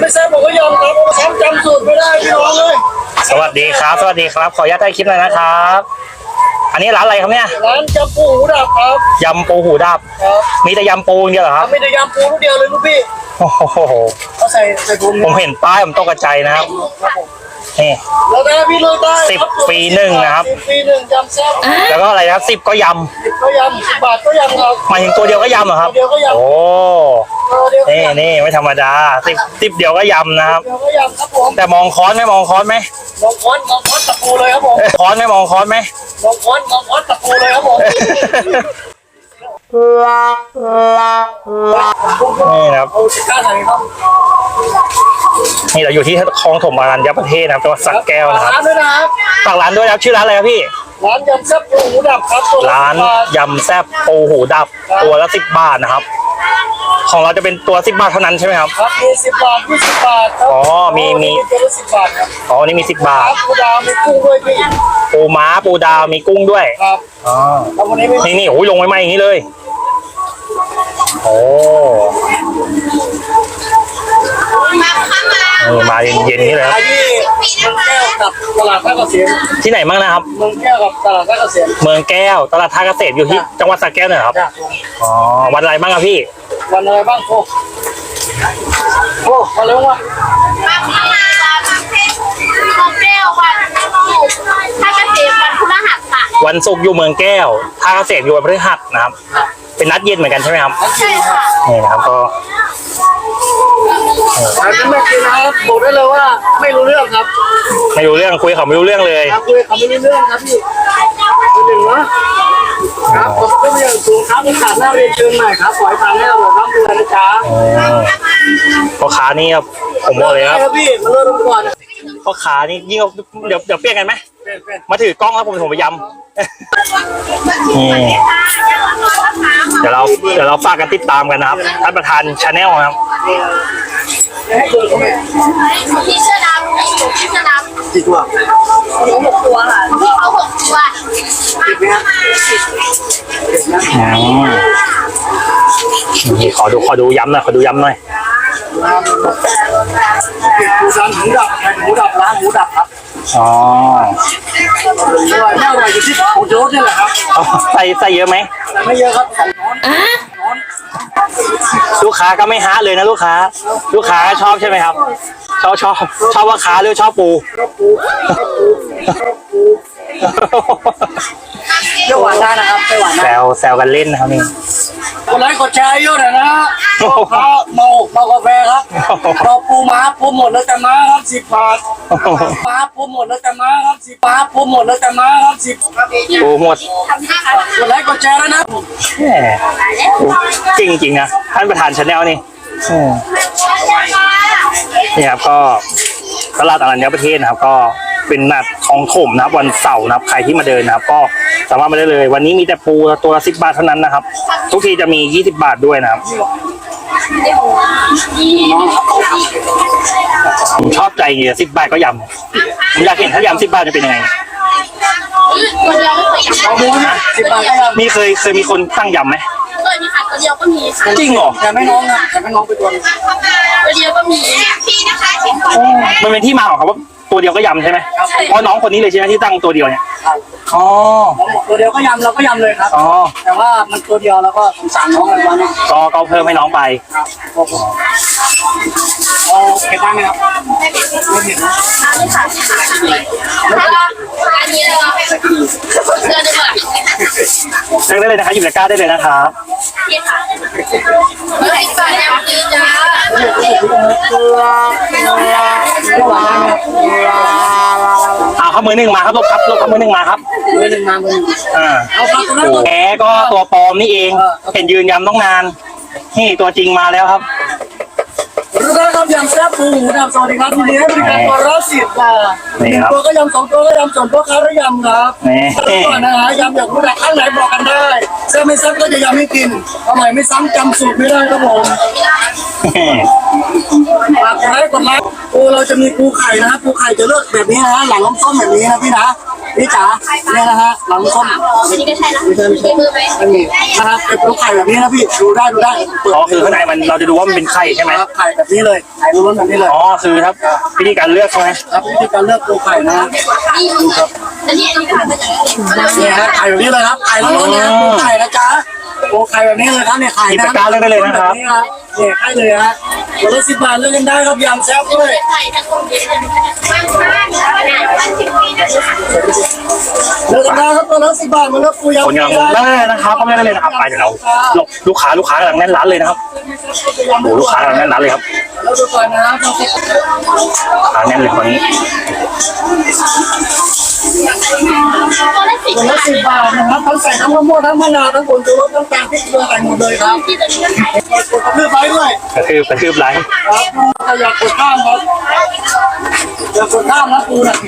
ไม่แซ่บผมก็ยอมครับจำสูตรไม่ได้พี่น้องเลยสวัสดีครับ สวัสดีครับ ขออนุญาตถ่ายคลิปหน่อยนะครับ อันนี้ร้านอะไรครับเนี่ยร้านยำปูหูดับครับยำปูหูดับครับมีแต่ยำปูอย่างเดียวเหรอครับไม่ได้ยำปูลูกเดียวเลยลูกพี่โอ้โหเขาใส่ถุงผมเห็นป้ายผมตกใจนะครับนี่แล้วได้พี่เลยได้ 10 ปีหนึ่งนะครับ 10 ปีหนึ่งยำแซ่บแล้วก็อะไรนะครับ10 ก็ยก็ยำ10 บาทก็ยำครับำหมายถึงตัวเดียวก็ยำเหรอครับตัวเดียวก็ยำโอ้เดียวก็นี่ยำนี่ไม่ธรรมดา10เดียวก็ยำนะครับเดียวก็ยำครับผมแต่มองค้อนไหมมองค้อนไหมมองค้อนตะปูเลยครับผมค้อนไหมมองค้อนไหมมองค้อนตะปูเลยครับผมนี่นะครับเอาสิก้าใส่ครับนี่เราอยู่ที่คลองถมอรัญญประเทศนะครับจังหวัดสระแก้วนะครับร้านด้วยนะครับฝากร้านด้วยนะครับชื่อร้านอะไรครับพี่ร้านยำแซ่บปูหูดับครับตัวละร้าน 10 บาทยำแซ่บปูหูดับตัวละ10 บาทนะครับ ของเราจะเป็นตัว10 บาทเท่านั้นใช่ไหมครับครับมี10 บาท20 บาทครับอ๋อมีตัวละ10 บาทครับอ๋อนี่มี10 บาคทรับปูดาวมีกุ้งด้วยพี่ปูม้าปูดาวมีกุ้งด้วยครับอ๋อแล้ววันนี้ไม่มีนี่โอ้ยลงไว้ไหมอย่างนี้เลยโอ้มาเย็นๆนี่เลยครับขายที่เมืองแก้วกับตลาดท่าเกษมที่ไหนบ้างนะครับเมืองแก้วกับตลาดท่าเกษมเมืองแก้วตลาดท่าเกษตรอยู่ที่จังหวัดสระแก้วเนี่ยเหรอครับจ้ะอ๋อวันอะไรบ้างครับพี่วันอะไรบ้างโอ้มาเร็วว่ะมาพัฒนาประเทศโมเดลวันศุกร์ถ้าเกษตรวันพฤหัสค่ะวันศุกร์อยู่เมืองแก้วท่าเกษตรอยู่วันพฤหัสนะครับ เป็นนัดเย็นเหมือนกันใช่ไหมครับใช่ค่ะนี่นะครับก็ร้านนี้ไม่กินนะครับบอกได้เลยว่าไม่รู้เรื่องครับไม่รู้เรื่องคุยเขาไม่รู้เรื่องเลยครับคุยเขาไม่รู้เรื่องครับพี่หนึ่งนะครับผมก็ไม่อยากสูงครับโอกาสหน้าเรียนเชิญใหม่ครับขอให้ทานให้อร่อยครับดูนะจ๊ะพ่อค้านี่ครับผมบอกเลยครับครับพี่มาเริ่มก่อนพ่อค้านี่ยิ่งเดี๋ยวเปลี่ยนกันไหมเป็นมาถือกล้องแล้วผมไปยำนี่เดี๋ยวเราฝากกันติดตามกันนะครับท่านประธานชาแนลครับให้เกิดเขาไหมพี่เสื้อดำพี่เสื้อดำกี่ตัวเขา6 ตัวค่ะพี่เขา6 ตัวติดไหมครับนี่ขอดูย้ำหน่อยขอดูย้ำหน่อยติดปูซันหมูดับหมูดับร้านหมูดับครับอ๋ออร่อยไม่อร่อยอยู่ที่ผงชูรสนี่แหละครับเอาใส่เยอะไหมแต่ไม่เยอะครับ2 ช้อนลูกค้าก็ไม่ฮะเลยนะลูกค้าก็ชอบใช่ไหมครับชอบว่าค้าหรือชอบปูเปรี้ยวหวานได้นะครับเปรี้ยวหวานแซได้วกันเล่นนะครับนี่กดไลค์กดแชร์เยอะหน่อยนะเมากาแฟครับเราปูม้าปูหมดแล้วแต่ม้าครับ10 บาทม้าปูหมดแล้วแต่ม้าครับ10 บาทปูหมดแล้วแต่ม้าครับ10 ปูหมดกดไลค์กดแชร์แล้วนะแหมจริงนะท่านประธานชาแนลนี่นี่ครับก็ตลาดอรัญญประเทศนะครับก็เป็นนัดของถมนะครับวันเสาร์นะครับใครที่มาเดินนะครับก็สามารถมาได้เลย วันนี้มีแต่ปูตัวละ10 บาทเท่านั้นนะครับ ทุกทีจะมี20 บาทด้วยนะครับผมชอบใจเงี้ย10 บาทก็ยำผมอยากเห็นถ้ายำ10 บาทจะเป็นยังไงตัวเดียวไม่เคยเอาดูนะ10 บาทก็ยังมีเคยมีคนตั้งยำไหมเคยมีค่ะตัวเดียวก็มีค่ะจริงเหรอแต่ไม่น้องนะแต่ไม่น้องไปตัวนึงตัวเดียวก็มีพี่นะคะชิ้นก่อนมันเป็นที่มาของเขาว่าตัวเดียวก็ยำใช่ไหมเพราะน้องคนนี้เลยใช่ไหมที่ตั้งตัวเดียวเนี่ยอ๋อตัวเดียวก็ยำเราก็ยำเลยครับอ๋อแต่ว่ามันตัวเดียวแล้วก็สงสารน้องอะไรวะเนี่ยก็เพิ่มให้น้องไปเอาเผ็ดได้ไหมครับไม่เผ็ดนะแล้วก็อันนี้เลยเสื้อด้วยเลือกได้เลยนะคะหยิบตะกร้าได้เลยนะครับพี่ค่ะไม่ใช่ก่อนนะพี่จ้าไม่หวานนะเอาข้ามือหนึ่งมาครับลบข้ามือหนึ่งมาครับมือหนึ่งมามือหนึ่ง เอาปลาตัวนั้นตัวแหมก็ตัวปลอมนี่เองเห็นยืนยำต้องนานนี่ตัวจริงมาแล้วครับรู้แล้วครับยำแซ่บปูหมูดำสวัสดีครับทีนี้ให้บริการตัวละ10 บาท1 ตัวก็ยำ2 ตัวก็ยำส่วนพ่อค้าก็ยำครับนี่ก่อนนะฮะยำอยากรู้ดักข้างไหนบอกกันได้แซ่บไม่แซ่บก็จะยำให้กินอร่อยไม่ซ้ำจำสูตรไม่ได้ครับผมฝากกดไลค์ปูเราจะมีปูไข่นะปูไข่จะเลือกแบบนี้นะหลังล้อมต้มแบบนี้นะพี่นะพี่จ๋าเนี่ยนะฮะหลังส้มนี่ก็ใช่นะไม่ใช่มีมือไหมไม่มีนะครับเป็นลูกไข่แบบนี้นะพี่ดูได้เปิดอ๋อคือข้างในมันเราจะดูว่ามันเป็นไข่ใช่ไหมครับไข่แบบนี้เลยไข่ล้วนๆแบบนี้เลยอ๋อคือครับวิธีการเลือกใช่ไหมครับวิธีการเลือกตัวไข่นะนี่ดูครับอันนี้ผ่านมาจากไหนเนี่ยฮะไข่แบบนี้เลยครับไข่ล้วนๆนะตัวไข่นะจ๊ะตัวไข่แบบนี้เลยครับเนี่ยไข่หยิบตะกร้าเลือกได้เลยนะครับนี่ครับเนี่ยให้เลยฮะตัวละ10 บาทเลือกกันได้ครับยำแซ่บด้วยใส่ทั้งคนเดียวบ้าน10 ปีนะเลือกกันได้ครับตัวละ10 บาทมันก็ปูยำคนกำลังได้นะครับเข้าไม่ได้เลยนะครับไปเดี๋ยวเราลูกค้ากำลังแน่นร้านเลยนะครับโอ้ลูกค้ากำลังแน่นร้านเลยครับแล้วดูก่อนนะครับร้านแน่นเลยคนนี้ตัวละ10 ตัวละบาท 10 บาทนะครับทั้งใส่ทั้งมะม่วงทั้งมะนาวทั้งผงชูรสทั้งตาลพริกเกลือใส่หมดเลยครับกดกระเพื่อมไปด้วยกระทืบไลฟ์ครับอย่ากดข้ามครับอย่ากดข้ามนะปูนะ